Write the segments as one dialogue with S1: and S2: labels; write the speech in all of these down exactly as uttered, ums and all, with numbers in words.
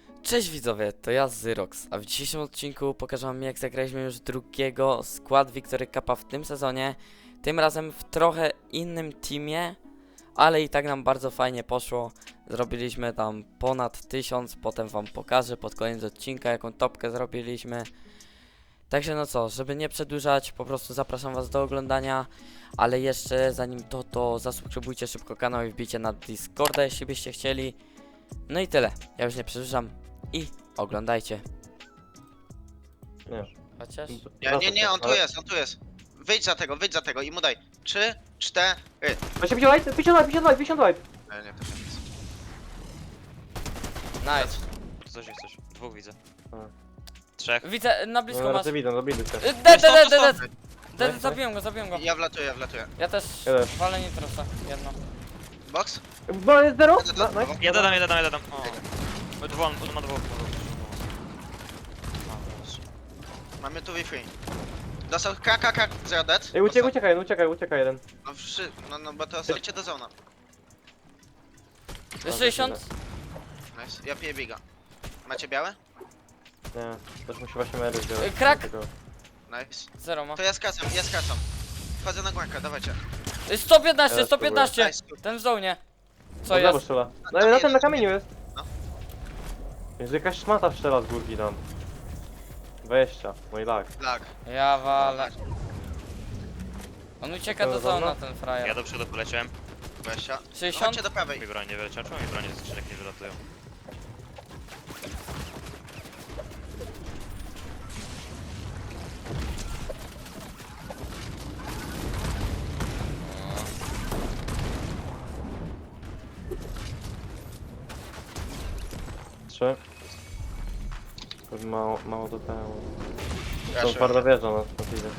S1: Cześć widzowie, to ja Zyrox, a w dzisiejszym odcinku pokażę wam, jak zagraliśmy już drugiego skład Victory Cupa w tym sezonie. Tym razem w trochę innym teamie, ale i tak nam bardzo fajnie poszło. Zrobiliśmy tam ponad tysiąc, potem wam pokażę pod koniec odcinka, jaką topkę zrobiliśmy. Także no co, żeby nie przedłużać, po prostu zapraszam was do oglądania. Ale jeszcze zanim to, to zasubskrybujcie szybko kanał i wbijcie na Discorda, jeśli byście chcieli. No i tyle, ja już nie przedłużam i oglądajcie.
S2: Nie.
S1: Chociaż...
S3: Nie, nie, nie, on tu jest, on tu jest. Wyjdź za tego, wyjdź za tego i mu daj. Trzy, cztery.
S2: Właśnie pięćdziesiąt light, pięćdziesiąt light, pięćdziesiąt light, pięćdziesiąt light.
S3: Nie, nie, to się nic.
S1: Nice.
S4: Coś jest coś. Dwóch widzę.
S2: A.
S4: Trzech.
S1: Widzę, na blisko
S2: No
S1: masz.
S2: raczej widzą, zabili się.
S1: Y, Dead, dead, dead,
S4: Stop,
S1: dead,
S4: stop,
S1: dead.
S2: Nice,
S1: Zabiłem go, zabiłem go.
S3: Ja wlatuję, ja wlatuję.
S1: Ja też
S2: Jeden.
S1: walę nitrosa, jedno.
S3: Box?
S2: Bo jest zero? No, no.
S4: Ja dodam, ja dodam, ja dodam. O. Dwóch, on ma dwóch.
S3: Mamy tu Wi-Fi. Dostał K, K, K, zero dead.
S2: Ej, uciekaj, uciekaj, no uciekaj, uciekaj jeden.
S3: No, wszy... no, no bo to osadźcie do zona.
S1: sześćdziesiąt?
S3: Nice, ja piję biga. Macie białe?
S2: Nie, też musi właśnie mery wziąć.
S1: Ej, krak!
S2: Tego.
S3: Nice.
S1: Zero ma.
S3: To ja skacam, ja skacam. Wchodzę na głękę, dawajcie.
S1: Y, sto piętnaście,
S2: Ja
S1: sto piętnaście!
S3: Nice.
S1: Ten w zonie. Co
S2: Od lewo
S1: jest?
S2: strzela.
S3: Na-
S2: No
S3: na
S2: na tym, na
S3: jest.
S2: kamieniu jest.
S3: No.
S2: Jest jakaś szmata strzela z górki tam. dwadzieścia, mój lag.
S3: Lag.
S1: Ja walę. On ucieka do
S2: Dobra,
S1: zona,
S2: dobra.
S1: ten frajer.
S4: Ja do przodu poleciałem.
S3: dwadzieścia.
S1: sześćdziesiąt?
S3: Chodźcie do prawej.
S4: Mi broń nie wyleciał. Czemu mi broń z skrzynek nie wylatują?
S2: Trzy. Już Mało, mało do tego. To
S3: Raszuję.
S2: twarda wjeżdża na to widzę.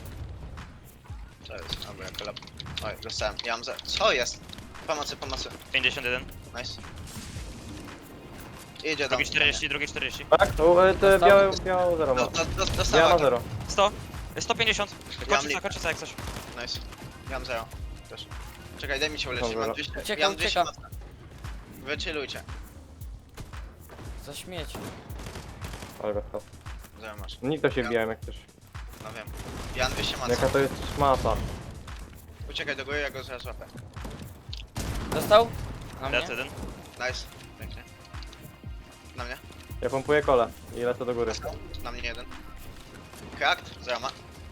S3: To jest, dobra, ja kolab. Oj, dostałem. Ja mam za... Co jest? Pomocy, pomocy.
S4: pięćdziesiąt jeden.
S3: Nice. Idzie do
S4: Drugi
S3: mnie.
S4: czterdzieści, drugi czterdzieści.
S2: Tak, to e, te
S1: Dostał?
S2: białe, białe zero ma.
S3: Do, do, do,
S2: Ja
S3: dostała.
S2: ma zero.
S4: sto. sto pięćdziesiąt.
S3: Ja
S4: Kończyca,
S3: mam
S4: kończyca jak coś.
S3: Nice. Ja mam zero. Też. Czekaj, daj mi się uleczyć.
S2: Dobra.
S3: Mam dwieście.
S1: Ucieka,
S3: ja mam dwieście
S1: ucieka.
S3: mocne. Wychillujcie.
S1: Za śmieć.
S2: Ale go to.
S3: Zero masz.
S2: Nikt to się
S3: Ja-
S2: wbijałem jak coś.
S3: No wiem. Ja mam dwieście mocne.
S2: Jaka to jest szmata.
S3: Uciekaj do góry, ja go zaraz łapę.
S1: Dostał? Na mnie?
S4: Dead jeden.
S3: Nice. Pięknie. Na mnie.
S2: Ja pompuję kole i lecę do góry.
S3: Dostał. Na mnie jeden. Cracked. Zero ma.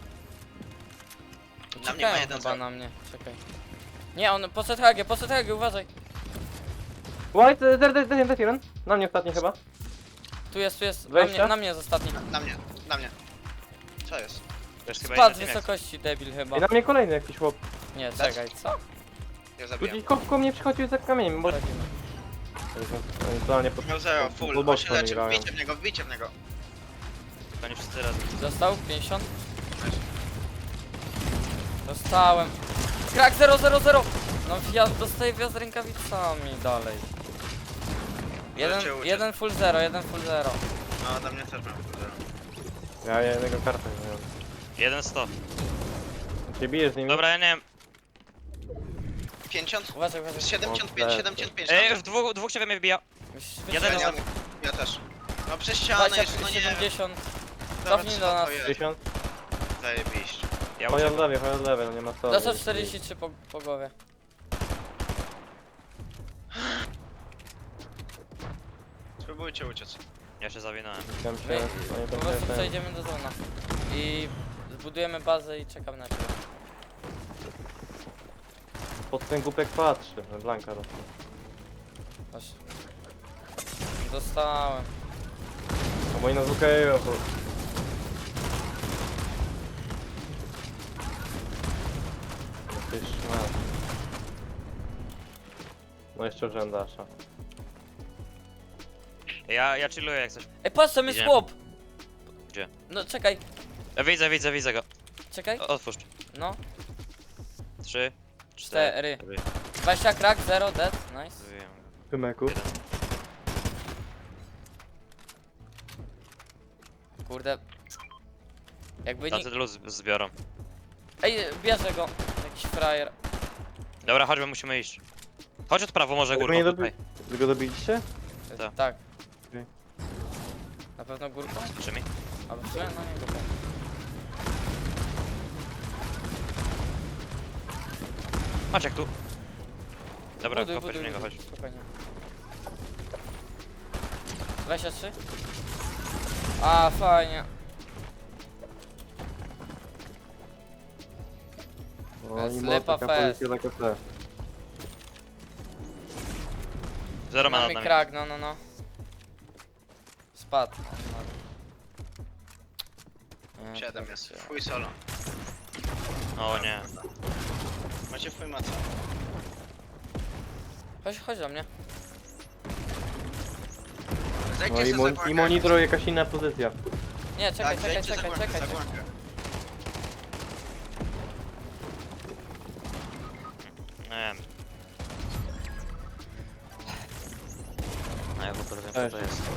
S3: Na mnie ma
S1: Uciekają
S3: jeden
S1: chyba
S3: zero.
S1: na mnie, czekaj. Nie, on poszedł Hagę, poszedł Hagę, uważaj.
S2: White, zero, zero, zero, jeden. Na mnie ostatni chyba.
S1: Tu jest, tu jest, na
S2: Wejście?
S1: mnie, na mnie jest ostatni.
S3: Na mnie. Na mnie. Co jest?
S4: To jest chyba
S1: Spadł z
S4: inny team jak-
S1: wysokości, debil chyba.
S2: I na mnie kolejny jakiś chłop.
S1: Nie, czekaj, co?
S3: Ja
S2: Tu
S3: zabiję.
S2: gdzieś koło mnie przychodził za kamieniem, bo...
S1: Chodzimy.
S2: Oni totalnie pod...
S3: Miał zero,
S2: pod-
S3: full.
S2: pod
S3: On
S2: boczką
S3: się leczy.
S2: grają.
S3: Wbijcie w niego, wbijcie w niego.
S4: Oni wszyscy razem.
S1: Dostał? pięćdziesiąt?
S3: Nice.
S1: Dostałem. Krak zero zero zero! No ja dostaję wjazd rękawicami dalej. Jeden,
S3: Uciekł, uciekł.
S1: jeden full zero, jeden full zero.
S3: No, na mnie też mam full zero.
S2: Ja jednego kartę nie miałem.
S4: jeden sto.
S2: Się bijesz z nimi?
S4: Dobra, ja nie wiem.
S3: pięćdziesiąt?
S1: Uważaj, uważaj.
S3: siedemdziesiąt pięć,
S2: O,
S3: siedemdziesiąt pięć.
S4: Ej, już dwóch, dwóch ciebie mnie wbija.
S1: Musisz
S4: Jeden
S1: wytrzymać.
S3: ja,
S4: jest-
S3: ja też. No przez ścianę
S1: dwadzieścia,
S3: jeszcze, no nie wiem.
S1: siedemdziesiąt.
S3: Dobra,
S1: Cofnij
S3: co
S1: do
S3: to
S1: nas.
S3: jest?
S2: dziesięć?
S3: Zajebiście.
S4: Ja
S2: Chodź od
S4: uciekam.
S2: lewej, chodź od lewej, no nie ma co.
S1: Dostał czterdzieści trzy po, po głowie.
S3: Spróbujcie uciec.
S4: Ja się zawinąłem.
S2: Tam się,
S1: My
S2: oni
S1: po
S2: tam
S1: prostu
S2: się...
S1: przejdziemy do zona. I zbudujemy bazę i czekam na ciebie.
S2: Pod ten głupek patrzy, Blanka dostał.
S1: Masz. Dostałem.
S2: No bo oni nas ukają, bo... No ty szmat. No jeszcze urzędasza.
S4: Ja, ja chilluję jak coś.
S1: Ej, patrz, tam jest
S4: Idziemy.
S1: chłop!
S4: Gdzie?
S1: No czekaj,
S4: Ja widzę, widzę, widzę go.
S1: czekaj.
S4: O- Otwórz.
S1: No,
S4: Trzy,
S1: cztery.
S4: cztery.
S1: dwadzieścia krak, zero, dead, nice.
S4: Wyjąłem go.
S2: Pymeku.
S4: Jeden.
S1: Kurde. Jakby
S4: Tacy
S1: nie...
S4: luz zbiorą.
S1: Ej, bierze go. Jakiś frajer.
S4: Dobra, chodźmy, musimy iść. Chodź od prawo, może
S2: Tylko
S4: górką
S2: nie
S4: tutaj.
S2: dobi... Wy go dobiliście?
S4: Tak.
S1: Tak. Na pewno górką?
S4: Czy mi?
S1: Albo w sumie? No nie górką.
S4: Maciek tu. Dobra,
S1: Buduj,
S4: kopać w
S1: buduj,
S4: niego,
S1: buduj.
S4: chodź.
S1: Spokojnie. dwadzieścia trzy? A, fajnie.
S2: No, i
S1: Slepa
S2: taka
S1: fest.
S2: pozycja taka te.
S4: Zero ma nad
S1: Mamy
S4: nami.
S1: krak, no, no, no. Spadł. No, nie,
S3: siedem
S1: to
S3: jest.
S1: się-
S3: Fuj solo.
S4: O nie.
S3: Macie fuj maca.
S1: Chodź, chodź do mnie.
S3: Zejdźcie
S2: No i,
S3: se
S2: mon
S3: za
S2: i
S3: górkę.
S2: monitor jakaś inna pozycja.
S1: Nie, czekaj,
S3: Tak,
S1: czekaj,
S3: zejdźcie za
S1: czekaj,
S3: górkę,
S1: czekaj,
S3: za
S1: czekaj.
S3: górkę.
S4: Nie wiem. No ja w ogóle wiem
S2: Cześć.
S4: co to jest.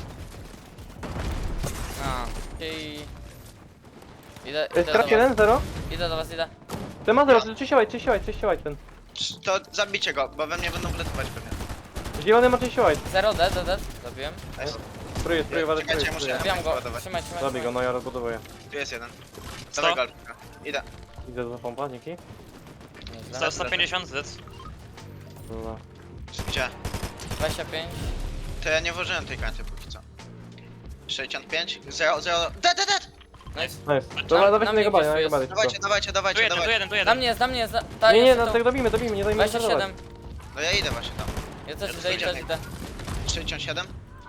S1: A, i... Idę,
S2: To jest
S1: idę do
S2: traf
S1: was,
S2: jeden, zero?
S1: idę do was, idę.
S2: Ten ma zero, czyściołaj, czyściołaj, czyściołaj ten.
S3: To zabijcie go, bo we mnie będą wletywać pewnie.
S2: Zielony ma czyściołaj.
S1: Zero, dead, dead, dead. Zabiłem.
S3: Nice.
S2: Spróbuję, spróbuję, walę,
S3: Czekajcie,
S2: spróbuję.
S3: muszę-
S2: spróbuję.
S1: Zabiłem go.
S3: ładować.
S1: Trzymaj, trzymaj,
S2: Zabij go,
S1: trzymaj.
S2: no ja rozbudowuję.
S3: Tu jest jeden.
S4: Sto?
S3: Dawaj golfika. Idę.
S2: Idę za pompa, dzięki.
S1: Nieźle.
S4: sto, sto pięćdziesiąt zec.
S2: Dobra.
S3: Gdzie?
S1: dwadzieścia pięć.
S3: To ja nie włożyłem tej karty póki co. sześćdziesiąt pięć, zero, zero. Dead, dead, dead!
S1: Nice.
S2: Nice. Dobra,
S1: na
S2: dawajcie na
S1: mnie
S2: jego banie,
S1: gdzieś
S2: na jego
S1: tu
S2: banie.
S1: jest.
S3: Dawajcie,
S2: szybko.
S3: dawajcie,
S4: Tu
S3: dawajcie,
S4: jeden, tu
S3: dawajcie.
S4: jeden, tu
S1: Na
S4: jeden.
S1: mnie jest, na mnie jest. Ta,
S2: Nie, nie,
S1: jest
S2: no
S1: to-
S2: tak dobijmy, dobijmy, nie dajmy
S1: dwadzieścia
S2: zerwać.
S1: siedem.
S3: No ja idę właśnie tam.
S1: Ja też
S4: Ja
S1: idę,
S4: tu
S1: idę, idę.
S3: sześćdziesiąt siedem.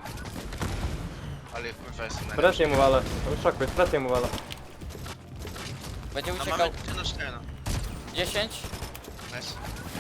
S3: Ale kurwa jestem najlepszy.
S2: Presję mu walę. Szokuj, presję mu walę.
S1: Będzie
S3: No
S1: uciekał.
S3: mamy ty na cztery, no.
S1: dziesięć.
S3: Nice.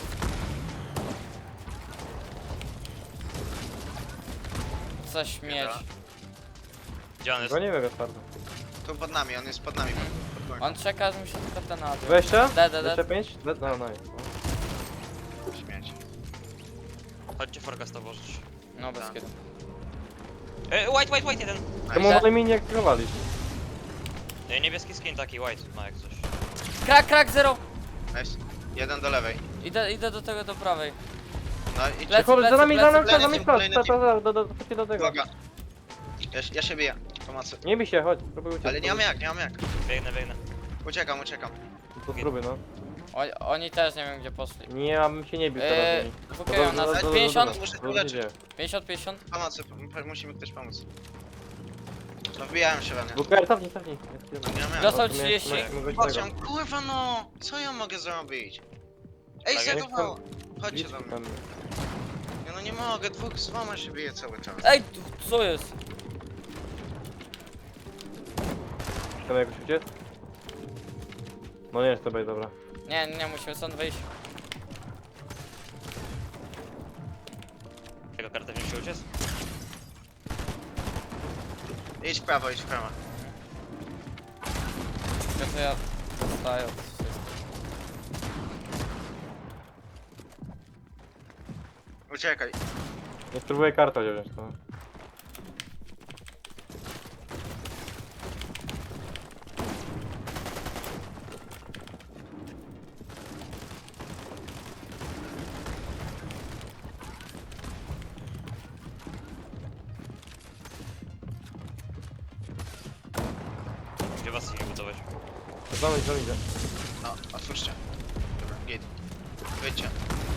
S1: Coś mieć.
S3: Dobra.
S4: Gdzie on jest?
S2: Go nie wiem, twardo.
S3: Tu pod nami, on jest pod nami. Pod górką.
S1: On czeka, że mi się tylko ten nabił.
S2: dwadzieścia?
S1: Da, da, da.
S2: dwadzieścia pięć? No, no, nice.
S3: Śmieć.
S4: Chodźcie forecasta włożyć.
S1: No bez
S3: Tak.
S1: kiedy.
S4: E, white, white, white jeden.
S2: To mu wolę mi nie aktywowali.
S4: E, niebieski skin taki, white ma jak coś.
S1: Krak, krak, zero.
S3: Nice. Jeden do lewej.
S1: Idę, idę do tego, do prawej.
S3: No i
S1: Lecę,
S2: Chodź, za nami, za nami, za
S3: Kolejny
S2: nami
S3: team,
S2: wprost,
S3: kolejny
S2: ta, ta,
S3: team.
S2: ta, do, do, do, chodźcie do tego.
S3: Uwaga. Ja, ja się biję. Pomocy.
S2: Nie bij się, chodź, spróbuj uciec.
S3: Ale nie mam jak, nie mam jak.
S4: Biegnę, biegnę.
S3: Uciekam, uciekam.
S2: To spróbuj, no.
S1: O, oni też nie wiem gdzie poszli.
S2: Nie, ja bym się nie bił teraz.
S1: Eee,
S2: nimi.
S1: dwukają
S2: Do- do- do-
S1: nas.
S2: do- do-
S1: pięćdziesiąt?
S2: do-
S3: Muszę
S2: do-
S3: tu
S2: do-
S3: leczyć.
S2: gdzie?
S1: pięćdziesiąt, pięćdziesiąt.
S3: Pomocy, p- musi mi ktoś pomóc. No wbijałem się we mnie.
S2: Buker, cofnij, cofnij.
S3: Nie mam jak.
S1: Dostał
S2: No, to
S1: trzydzieści.
S2: miałeś- miałeś
S3: Chodź,
S2: tego.
S3: on, kurwa no! Co ja mogę zrobić? Ej,
S4: Tak,
S3: zagowało! Chodźcie
S2: Idź
S3: do mnie.
S2: tam.
S3: Nie, no nie mogę, dwóch z dwoma się bije cały czas.
S1: Ej, tu- co jest?
S2: Chcemy jakoś uciec? No nie jest to bej, dobra.
S1: Nie, nie, musimy stąd wyjść.
S4: Jego kartę wziąć się uciec?
S3: Idź w prawo, idź w prawo.
S1: To co ja dostaję od wszystkich.
S3: Uciekaj.
S2: Nie spróbuję kartę wziąć, to.
S4: Gdzie was idzie budować?
S2: Zamyć, zamyć.
S3: No, otwórzcie. Dobra, git. Wyjdźcie.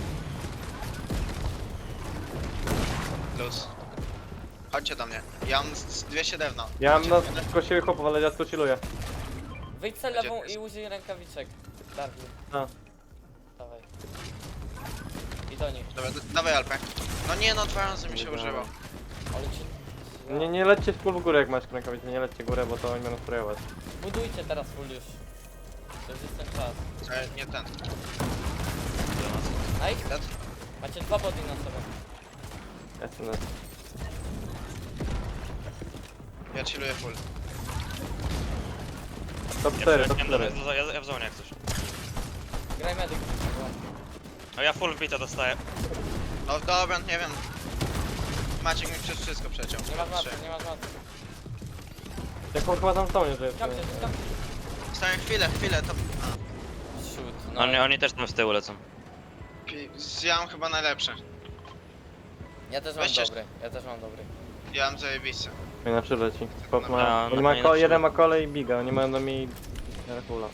S3: Luz. Chodźcie do mnie. Ja mam z- z dwieście drewno.
S2: Ja mam na
S3: Chodźcie.
S2: tylko siebie chłopów, ale ja to chilluję.
S1: Wyjdź se
S3: Gdzie
S1: lewą
S3: to jest?
S1: i użyj rękawiczek. Darwiu.
S2: A.
S1: Dawaj. I do nich.
S3: Dobra, d- dawaj Alpę. No nie no, dwa razy mi się
S2: Dobra.
S3: użyło.
S1: Ale ci...
S2: Nie, nie lećcie w full w górę jak masz rękawice, nie lećcie górę, bo to oni będą sprayować.
S1: Budujcie teraz full już. To już jest ten czas.
S3: E, nie ten.
S4: Do nas.
S1: Nice.
S3: Dead.
S1: Macie dwa body na sobie.
S2: Jestem na...
S3: Ja chilluję full.
S2: Top
S4: Ja,
S2: cztery,
S4: ja,
S2: top
S4: ja,
S2: cztery.
S4: ja, ja, ja w zonie jak coś.
S1: Graj medyk.
S4: No ja full bita dostaję.
S3: No dobra, nie wiem. Maciek mi przez wszystko przeciął.
S1: Nie masz
S3: Trzy.
S1: matki, nie masz matki.
S2: Jak on chyba tam stanie, że jest.
S1: Kamcie, kamcie.
S3: Stałem chwilę, chwilę, to... A,
S1: Shoot. No.
S4: Oni, oni też tam z tyłu lecą.
S3: pi- ja mam chyba najlepsze.
S1: Ja też mam
S3: Weźcie-
S1: dobry. Ja też mam dobry.
S3: Ja mam zajebiste.
S2: No i na trzy leci. Spot ma...
S4: No,
S2: Oni
S4: na
S2: ma
S4: koniec
S2: ko
S4: trzy.
S2: jeden ma kole i biga, oni mają do mnie Herkula.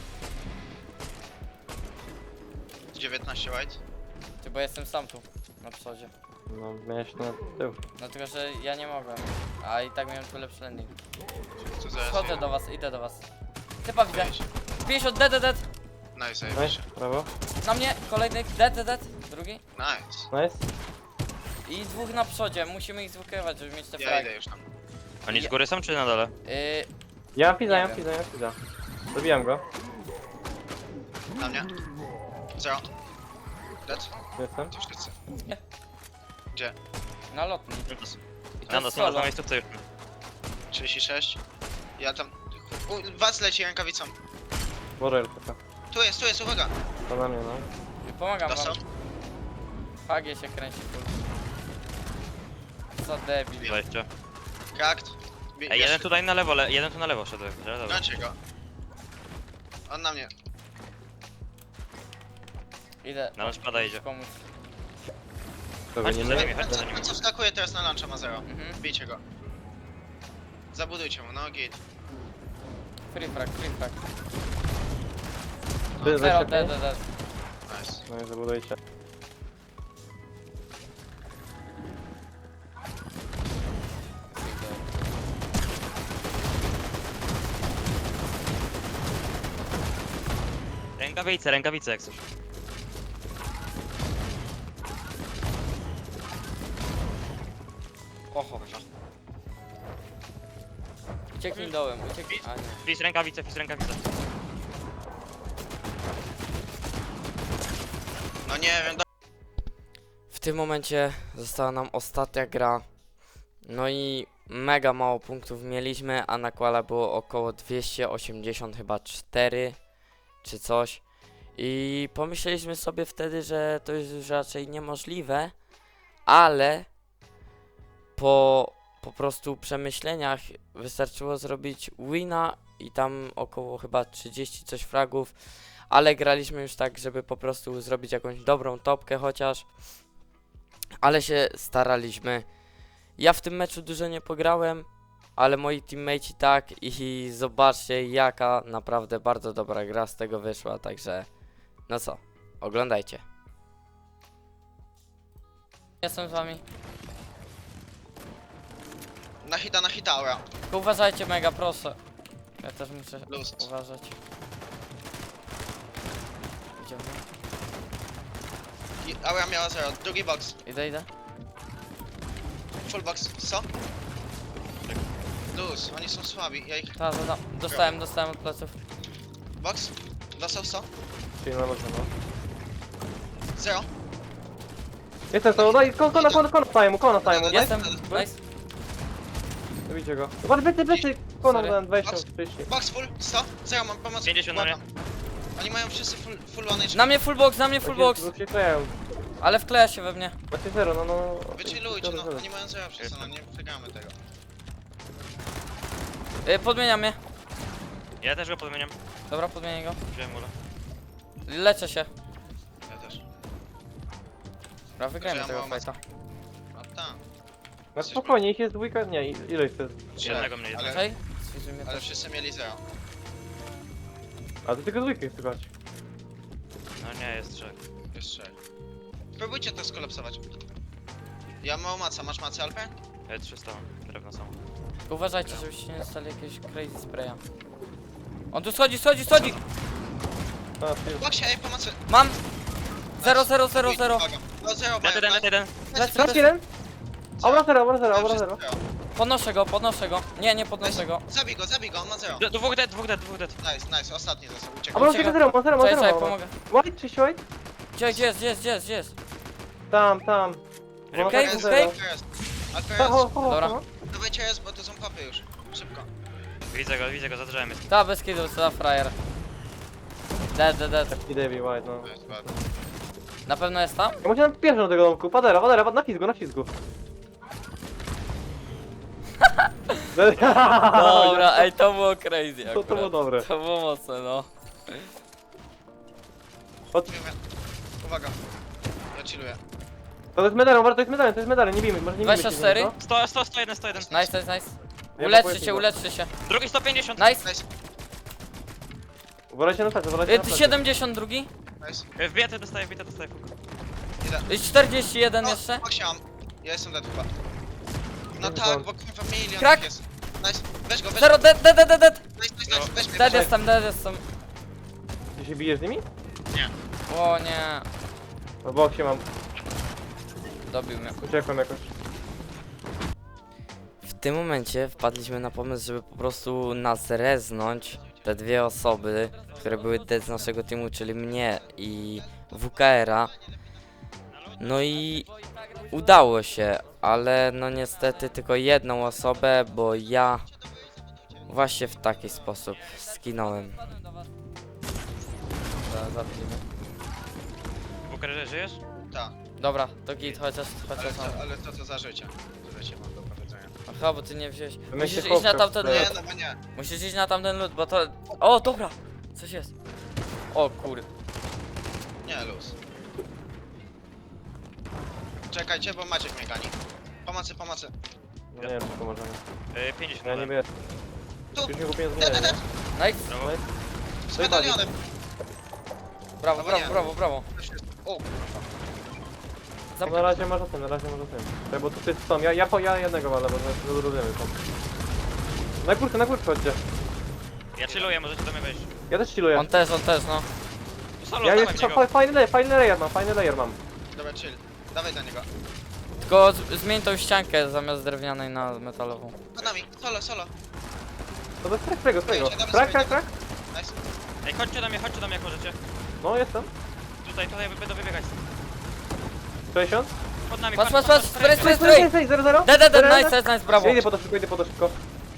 S3: dziewiętnaście white.
S1: Ty, bo jestem sam tu, na przodzie.
S2: No, miałeś na tył.
S1: No tylko, że ja nie mogłem. A i tak miałem tu lepszy landing.
S3: Tu zaraz
S1: Chodzę
S3: jest.
S1: do was, idę do was. Typa widzę. pięćdziesiąt, dead, dead, dead.
S3: Nice,
S2: Nice,
S3: zajebiście.
S2: brawo.
S1: Na mnie, kolejny, dead, dead, dead. Drugi.
S3: Nice.
S2: Nice.
S1: I dwóch na przodzie, musimy ich zwykrywać, żeby mieć te
S3: Ja
S1: fragi.
S3: idę już tam.
S4: Oni z góry są czy na dole?
S1: Yy,
S2: Ja mam pizza,
S1: Nie
S2: ja mam
S1: wiem.
S2: pizza, ja mam pizza. Zabijam go.
S3: Na mnie. Zero. Dead.
S2: Jestem.
S3: To wszyscy.
S1: Nie.
S3: Gdzie?
S1: na lotni.
S4: Na nas, na
S1: solo.
S4: nas, na miejscówce już.
S3: trzydzieści sześć. Ja tam... U, was leci rękawicą.
S2: Borel taka.
S3: Tu jest, tu jest, uwaga.
S2: To na mnie, no.
S1: Pomagam
S3: Dostał.
S1: wam. Fagie się kręci full. Co debil.
S4: dwadzieścia.
S3: Cracked. Bie-
S4: Ej, jeden
S3: bierz-
S4: tutaj na lewo, le jeden tu na lewo szedł. Dobra, dobra.
S3: Kończę go. On na mnie.
S1: Idę.
S4: Na nas pada idzie.
S1: Pomóc.
S2: To
S4: Chodźcie za
S2: nie
S4: nimi,
S3: On
S4: chodźcie
S3: co,
S4: za nimi.
S3: on co wskakuje teraz na luncha ma zero.
S1: Mhm.
S3: Bijcie go. Zabudujcie mu, no git.
S1: Free frag, free frag.
S2: Ty,
S1: Zero,
S2: weź
S1: dead,
S2: się
S1: dead, dead.
S3: Nice.
S2: No i zabudujcie.
S4: Rękawice, rękawice jak coś.
S1: Oho. Ucieknij dołem, ucieknij. A nie.
S4: Fis rękawice, fis rękawice.
S3: No nie wiem, do...
S1: W tym momencie została nam ostatnia gra. No i mega mało punktów mieliśmy, a nakłada było około dwieście osiemdziesiąt chyba cztery czy coś. I pomyśleliśmy sobie wtedy, że to jest już raczej niemożliwe, ale po po prostu przemyśleniach wystarczyło zrobić wina i tam około chyba trzydzieści coś fragów, ale graliśmy już tak, żeby po prostu zrobić jakąś dobrą topkę chociaż, ale się staraliśmy. Ja w tym meczu dużo nie pograłem, ale moi teammate'i tak i zobaczcie jaka naprawdę bardzo dobra gra z tego wyszła, także no co, oglądajcie. Jestem z wami.
S3: Na hita, na hita, aura.
S1: Tylko uważajcie mega, proszę. Ja też muszę
S3: Luz.
S1: uważać. Idziemy.
S3: I aura miała zero. Drugi box.
S1: Idę, idę.
S3: Full box. Co? Luz, oni są słabi. Ja ich...
S1: Ta, ta, ta. Dostałem, dostałem od pleców.
S3: Box? Dostał sto?
S2: Czyli na lodzie, no.
S3: Zero.
S2: Jestem to, daj, kona, kona, kona, kona staje mu, kona staje mu, daj.
S1: Jestem, nice.
S2: Zabijcie go. Zobacz, byty, byty, kona
S1: Sorry.
S2: dałem dwadzieścia, trzydzieści.
S3: Box full. sto? Zero, mam pomoc.
S4: pięćdziesiąt na mnie.
S3: Błagam. Oni mają wszyscy full, full one H P.
S1: Na mnie full box, na mnie full box.
S2: Bo się kleją.
S1: Ale wkleja się we mnie.
S2: Macie zero, no no.
S3: Wychillujcie, no. Oni mają zero wszyscy, no nie wygramy tego.
S1: Y, podmienia mnie.
S4: Ja też go podmieniam.
S1: Dobra, podmienię go.
S4: Wziąłem ula.
S1: Leczę się.
S3: Ja też.
S1: Dobra, wygrajmy
S3: Ja
S1: tego
S3: mam
S1: fajta.
S3: No tak.
S2: No spokojnie, ich jest dwójka, nie, ile ich jest?
S4: Jednego mnie
S3: Ale-
S4: jest.
S1: Okej? Sfizuje mnie
S3: Ale
S1: też.
S3: wszyscy mieli zero.
S2: A to tylko dwójkę chcę grać.
S4: No nie, jest trzech.
S3: Jest trzech. Próbujcie to skolapsować. Ja mam maca, masz macę Alper?
S4: Ja trzysta mam, drewno są.
S1: Tylko uważajcie, żebyście nie dostali jakiegoś crazy spraya. On tu schodzi, schodzi, schodzi!
S2: A, ty,
S3: Boksie, ej, pomocy!
S1: Mam! Zero, zero, zero, zero.
S3: No zero,
S4: Net jeden, net jeden.
S1: Lecę,
S2: raz
S1: lecę.
S2: jeden? Aura zero, aura zero, aura zero.
S1: Podnoszę go, podnoszę go. Nie, nie podnoszę go.
S3: Zabij go, zabij go, on ma zero.
S4: D- Dwóch dead, dwóch dead, dwóch dead.
S3: Nice, nice, ostatni został, uciekł.
S2: Aura
S1: Uciekam.
S2: zero, ma zero, ma
S1: Czekaj,
S2: zero.
S1: czekaj,
S2: ma.
S1: pomogę.
S2: White, czyści white?
S1: Gdzie, gdzie jest, gdzie jest, gdzie jest, gdzie jest?
S2: Tam, tam. No,
S1: Okej,
S2: tak,
S3: Jest,
S1: okej.
S2: zero.
S3: Alper jest. Alper
S2: Ta, ho,
S3: jest.
S2: ho, ho,
S1: Dobra.
S2: ho.
S3: Dawajcie jest, bo to są kopy już. Szybko.
S4: Widzę go, widzę go, za drzewem jest.
S1: Ta, bez kidu, co za frajer. Dead, dead, dead.
S2: I Davey White, no.
S3: To jest ładne.
S1: Na pewno jest tam?
S2: Ja muszę nam pierwszy do tego domku. Padera, padera, na fizgu, na fizgu.
S1: Dobra, ej, to było crazy
S2: To, to było
S1: akurat.
S2: dobre.
S1: To było mocne, no.
S2: Od,
S3: Uwaga. Ja chilluję.
S2: To jest medalem, uważaj, to jest medalem, to jest medalem, nie bijmy, może nie bijmy.
S1: dwadzieścia cztery.
S2: się, no.
S4: sto, sto, sto jeden, sto jeden.
S1: Nice, nice, nice.
S2: Ja
S1: Uleczcie
S2: blokuję
S1: się,
S2: tego.
S1: uleczcie się.
S4: Drugi sto pięćdziesiąt.
S1: Nice.
S3: Nice,
S2: Uważajcie na plecy, uważajcie na
S1: Y,
S2: plecy.
S1: siedemdziesiąt drugi.
S3: nice.
S4: Y, Wbijatę dostaję, wbijatę dostaję, fuck.
S3: Idę.
S1: Y, czterdzieści jeden
S3: O,
S1: jeszcze.
S3: boksie mam. Ja jestem dead chyba. No
S2: Jest
S3: tak,
S2: down.
S3: bo kurwa milion
S1: Krak.
S3: ich jest. Nice, weź go, weź
S1: Zero,
S3: go.
S1: dead, dead, dead, dead, dead.
S3: Nice, nice, nice, weź mnie,
S1: Dead
S3: weź mnie.
S1: jestem, dead jestem.
S2: Ty się bijesz z nimi?
S1: O nie.
S2: No bo się mam,
S1: Dobił mnie.
S2: uciekłem jakoś.
S1: W tym momencie wpadliśmy na pomysł, żeby po prostu nas reznąć te dwie osoby, które były dead z naszego teamu, czyli mnie i W K R-a. No i udało się, ale no niestety tylko jedną osobę, bo ja właśnie w taki sposób skinąłem. Za- Zabijmy.
S4: Bukerze, żyjesz?
S3: Tak,
S1: Dobra, to git, chociaż,
S3: ale,
S1: chociaż
S3: to,
S1: mam.
S3: ale to co za życie. To życie mam do powiedzenia.
S1: Aha, bo ty nie wziąłeś.
S2: my
S1: Musisz
S2: się
S1: iść na
S2: chłopka
S1: tamten
S2: wkleja.
S3: Nie,
S1: lód.
S3: no bo nie.
S1: Musisz iść na tamten lód, bo to... O, dobra! Coś jest. O kur...
S3: Nie, luz. Czekajcie, bo Maciek mnie gani. Pomocy, pomocy.
S2: No nie wiem, czy pomożemy.
S4: Y, pięćdziesiąt.
S2: Ja nie wiem.
S3: Tu!
S2: Już nie kupiłem
S3: Dead,
S2: zmieniania,
S3: dead,
S2: nie?
S3: dead!
S1: Nice.
S4: Brawo.
S3: Z
S2: Daj bali.
S3: medalionem!
S1: Brawo,
S3: Albo
S1: brawo,
S3: nie.
S1: brawo, brawo.
S3: O,
S2: No na razie może tym, na razie może tym. Tak, bo tutaj są, ja, ja, po, ja jednego walę, bo zrobimy tam. Na górkę, na górkę chodźcie.
S4: Ja chilluję, możecie do mnie wejść.
S2: Ja też chilluję.
S1: On też, on też, no.
S4: Solo,
S2: Ja
S4: dawaj
S2: jest
S4: w niego.
S2: fa- fajny layer, fajny layer mam, fajny layer mam.
S3: dobra, chill. Dawaj do niego.
S1: Tylko z- zmień tą ściankę zamiast drewnianej na metalową.
S3: Pod nami, solo, solo.
S2: To bez strego, strego, strego.
S3: Dawaj,
S2: Krak,
S3: dawaj,
S2: krak, krak.
S3: Nice.
S4: Ej, chodźcie do mnie, chodźcie do mnie jak możecie.
S2: No, jestem.
S4: Tutaj, tutaj będą wybiegać.
S2: sześćdziesiąt.
S4: Pod nami,
S1: Patrz, patrz, patrz, spray, spray,
S2: Stoi, stoi,
S1: spray!
S2: stoi, zero, zero.
S1: Dead, dead, dead,
S2: Zero,
S1: nice,
S2: zero.
S1: nice, nice, brawo.
S2: Ja idę po to szybko, idę po to szybko.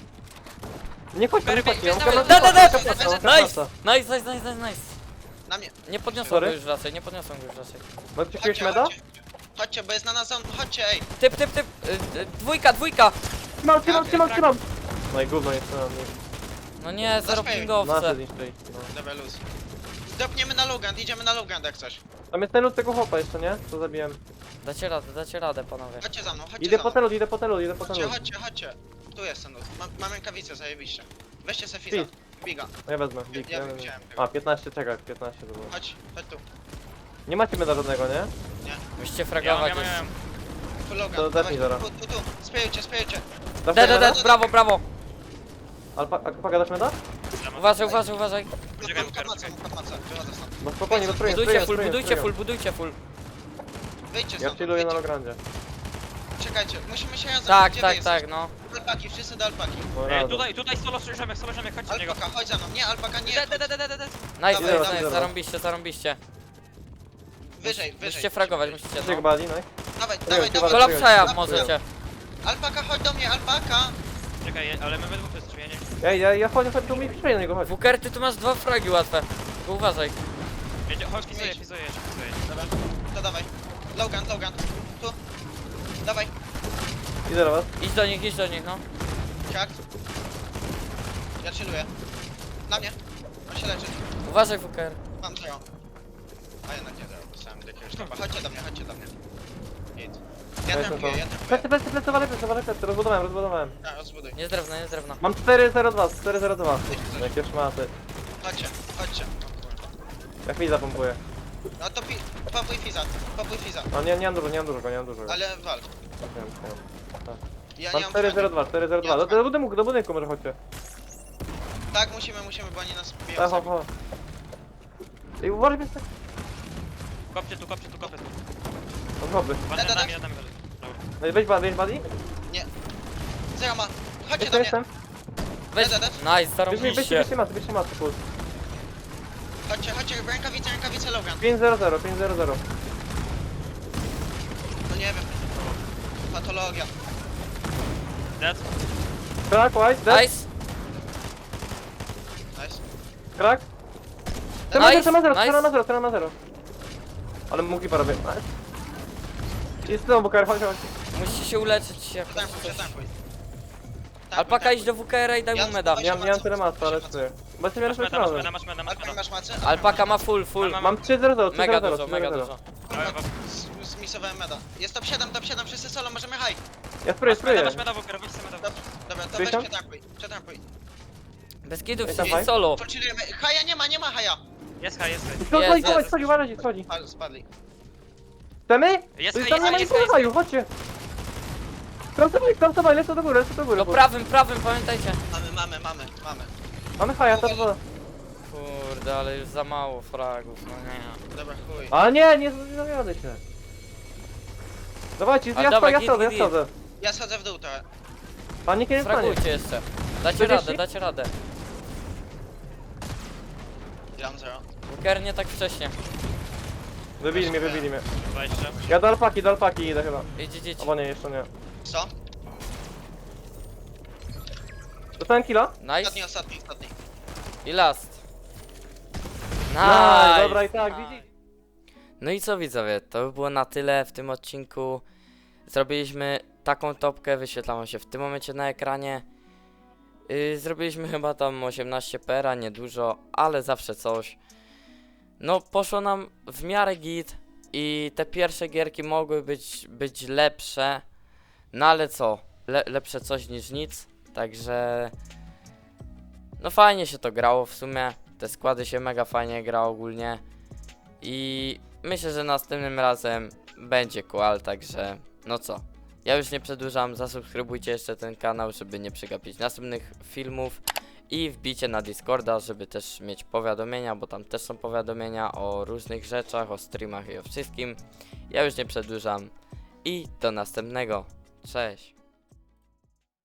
S2: Nie chodź, nie chodź, ja mam
S3: Dawaj,
S2: kamerę.
S1: dead, dead, dead.
S3: Nice.
S1: Nice, nice, nice, nice, nice.
S3: Na mnie.
S1: Nie podniosłem
S2: Sorry.
S1: go już raczej, nie podniosłem go już raczej.
S2: Masz jakiegoś
S3: Chodźcie,
S2: meda?
S3: chodźcie. Chodźcie, bo jest na nas zon. Chodźcie, ej.
S1: Typ, typ, typ, y, y, dwójka, dwójka.
S2: Trzymam, trzymam, trzymam, trzymam. No i gówno jest na mnie.
S1: No nie, zero
S3: Zaśpiew.
S1: pingowce.
S2: Nasze zniszczyli. No.
S3: Dobra, luz. Dopniemy na Lugand, idziemy na Lugand jak coś.
S2: Tam jest ten lód tego chłopa jeszcze, nie? Co zabiłem.
S1: Dacie radę, dacie radę, panowie.
S3: Chodźcie za mną, chodźcie
S2: Idę
S3: za
S2: po
S3: mną.
S2: ten lód, idę po ten lód, idę po ten
S3: Chodźcie,
S2: lód.
S3: chodźcie, chodźcie. Tu jest ten lód. Mam, mam rękawicę, zajebiście. Weźcie se fiza.
S2: Fizz.
S3: Biga.
S2: No ja wezmę, big,
S3: Ja
S2: ja
S3: bym
S2: wezmę.
S3: chciałem tego.
S2: A, piętnaście, czekaj, piętnaście to było.
S3: Chodź, chodź tu.
S2: Nie macie meda żadnego, nie?
S1: Musicie
S4: Ja mam,
S1: fragować
S4: ja mam, ja
S1: jeszcze.
S4: mam.
S3: Tu Lugand,
S2: To
S3: dawaj.
S2: zetnij zaraz.
S3: Tu, tu, tu. Spejujcie, spejujcie.
S2: Dasz
S1: Dead,
S2: meda?
S1: dead, dead, brawo, brawo.
S2: Alpa, Alpaka dasz meda?
S4: Ja mam.
S1: Uważaj, uważaj, uważaj.
S4: Czekaj,
S3: Pod macą, pod macą. Wychodzę stąd.
S2: No spokojnie, no spróbuję,
S1: Budujcie
S2: spróbuję,
S1: full,
S2: spróbuję,
S1: budujcie
S2: spróbuję.
S1: full, budujcie full.
S3: Wyjdźcie
S2: Ja
S3: stąd.
S2: chilluję na
S3: wyjdźcie.
S2: Lograndzie.
S3: Czekajcie, musimy się razem.
S1: Tak,
S3: Gdzie
S1: tak,
S3: wy jesteście?
S1: tak, no.
S3: Do alpaki, wszyscy do alpaki.
S2: No
S4: Ej,
S2: razem.
S4: tutaj, tutaj solo ziomek, solo ziomek, chodźcie do niego.
S3: Alpaka, chodź za mną. Nie, alpaka nie.
S4: De, de, de, de, de, de.
S1: Nice,
S3: Dawaj,
S1: nice,
S2: dawaj,
S1: nice,
S2: dawaj.
S1: zarąbiście, zarąbiście.
S3: Wyżej, wyżej.
S1: Musicie fragować, musicie,
S2: Gdzie
S1: no.
S2: bali, no?
S3: Dawaj,
S2: wiem,
S3: dawaj,
S2: chyba
S3: dawaj.
S2: Kola
S1: Kolapsaja
S3: Dawaj.
S1: możecie.
S3: Alpaka, chodź do mnie, alpaka.
S4: Czekaj, ale my we dwóch jesteśmy, ja nie wiem.
S2: Ej, ja, ja chodzę, chodź, tu mi przyjdzie na niego, chodź.
S1: Wuker, ty tu masz dwa fragi łatwe. Tylko uważaj.
S4: Wiecie, chodź, fizuję, fizuję, fizuję.
S3: Dobra, to dawaj. Logan, Logan. Tu. Dawaj.
S2: Idę do was.
S1: Idź do nich, idź do nich, no.
S3: Siak. Ja chilluję. Na mnie. On się leczy.
S1: Uważaj, Wuker.
S3: Mam zero. A jednak nie zero. Dostałem do jakiegoś topa. Chodźcie do mnie, chodźcie do mnie. Git. Ja
S2: Weź
S3: trampuję,
S2: to.
S3: ja trampuję.
S2: Plecy, plecy, plecy, walę, plecy, walę, plecy, rozbudowałem, rozbudowałem.
S3: Ja, rozbuduj.
S1: Nie z drewna, nie z drewna.
S2: Mam cztery zero dwa, cztery zero dwa. Jakie szmaty.
S3: Chodźcie, chodźcie. O kurwa.
S2: Jak mi zapompuję.
S3: No to pi... Papuj Fiza, papuj Fiza.
S2: No nie, nie mam dużo, nie mam dużo, nie mam dużo.
S3: Ale walcz.
S2: Nie wiem, nie wiem.
S3: Ja
S2: Mam
S3: nie mam
S2: cztery zero
S3: broni.
S2: dwa, cztery zero dwa. Do, do budynku, do budynku może chodźcie.
S3: Tak, musimy, musimy, bo oni nas biją
S2: Tak,
S3: sami.
S2: ho, ho. Ej, uważaj, jest tak.
S4: Kopcie tu, kopcie tu, kopcie tu.
S2: Od hobby.
S4: Pan
S3: Da, da,
S4: nad
S3: da.
S4: nami, nad nami. Dobra.
S2: No i weź badi, weź badi.
S3: Zero ma. Chodźcie
S2: Jestem,
S3: do mnie.
S2: jestem.
S1: Weź.
S3: Da, da,
S1: Nice,
S2: Weź, weź,
S1: zarąbiście.
S2: weźcie masy, weźcie masy, full.
S3: Chodźcie, chodźcie, rękawice, rękawice Logan.
S2: pięć zero zero, pięć zero zero.
S3: No nie wiem. Patologia.
S4: Dead.
S2: Krak, white, dead.
S1: Nice,
S3: Nice.
S2: Krak. Trzeba
S1: Nice,
S2: zero, zero,
S1: nice.
S2: trzeba na zero, trzeba na zero. Ale mógł parę robię. Jest znowu kar, chodź, chodź.
S1: musicie się uleczyć jakoś.
S3: Przetankuj,
S1: coś.
S3: przetankuj.
S1: Alpaka idź do W K R-a i daj
S3: Ja-
S1: mu meda.
S3: Weź-
S2: Nie mam, nie mam tyle masy, ale czuję. Bo jestem
S4: Masz
S2: jeden
S4: meda, masz
S2: strony.
S4: meda, masz meda, masz
S3: Alpaka
S4: meda.
S3: masz macę?
S1: Alpaka ma full, full.
S4: Mam-
S2: Mam trzy zero zero, trzy
S1: Mega
S2: zero
S1: dużo,
S2: zero,
S1: mega
S2: trzy zero
S1: dużo.
S2: zero.
S4: Dawaj,
S3: Z, z mi zmisowałem meda. Jest top siedem, top siedem, wszyscy solo, możemy high.
S2: Ja spróbuję,
S4: Masz meda,
S2: spróbuję.
S4: masz meda, Walker, weź sobie meda.
S3: Dobra, dobra, to
S2: Spróbuj
S3: weź
S2: tam?
S3: przetrampuj, przetrampuj.
S1: Bez kitów
S2: Ej, tam
S1: wszyscy
S2: high?
S1: solo.
S3: Pochillujemy. Haja nie ma, nie ma haja.
S4: Jest high, jest high.
S2: Schodź,
S1: Jest,
S2: schodź,
S1: jest.
S2: schodź, uważajcie, schodzi.
S3: Spadli, spadli.
S2: Chcemy?
S4: Jest
S2: Tu
S4: high,
S2: tam nie ma
S4: jest
S2: nic
S4: high,
S2: na haju, chodźcie. Kramsowaj, kramsowaj, lecę do góry, lecę do góry.
S1: No prawym, prawym, pamiętajcie.
S3: Mamy, mamy, mamy, mamy.
S2: Mamy haja, to dwa.
S1: Kurde, ale już za mało fragów, no nie.
S3: Dobra, chuj.
S2: A nie, nie, nie zawiadę się. Dawajcie,
S1: A
S2: ja
S1: dawaj,
S2: schodzę, ja
S1: git,
S2: schodzę, ja
S1: git,
S2: schodzę.
S3: Ja schodzę w dół trochę.
S2: Paniki nie stanie.
S1: Fragujcie jeszcze. Dacie
S2: czterdzieści?
S1: radę, dacie radę.
S3: Ja mam zero.
S1: Walker nie tak wcześnie.
S2: Wybili mnie, wybili mnie.
S4: dwadzieścia.
S2: Ja do alpaki, do alpaki idę chyba.
S1: Idź, idź, idź.
S2: Albo nie, jeszcze nie.
S3: Co?
S2: Dostałem killa?
S3: Ostatni,
S1: Nice.
S3: ostatni, ostatni.
S1: I last.
S2: Nice,
S1: Nice.
S2: dobra i tak,
S1: Nice.
S2: widzisz?
S1: No i co widzowie, to by było na tyle w tym odcinku. Zrobiliśmy taką topkę, wyświetla wam się w tym momencie na ekranie. Yy, zrobiliśmy chyba tam osiemnaście pera, niedużo, ale zawsze coś. No poszło nam w miarę git i te pierwsze gierki mogły być, być lepsze. No ale co, Le, lepsze coś niż nic, także... No fajnie się to grało w sumie, te składy się mega fajnie gra ogólnie. I myślę, że następnym razem będzie koal, także no co. Ja już nie przedłużam, zasubskrybujcie jeszcze ten kanał, żeby nie przegapić następnych filmów. I wbijcie na Discorda, żeby też mieć powiadomienia, bo tam też są powiadomienia o różnych rzeczach, o streamach i o wszystkim. Ja już nie przedłużam. I do następnego. Cześć.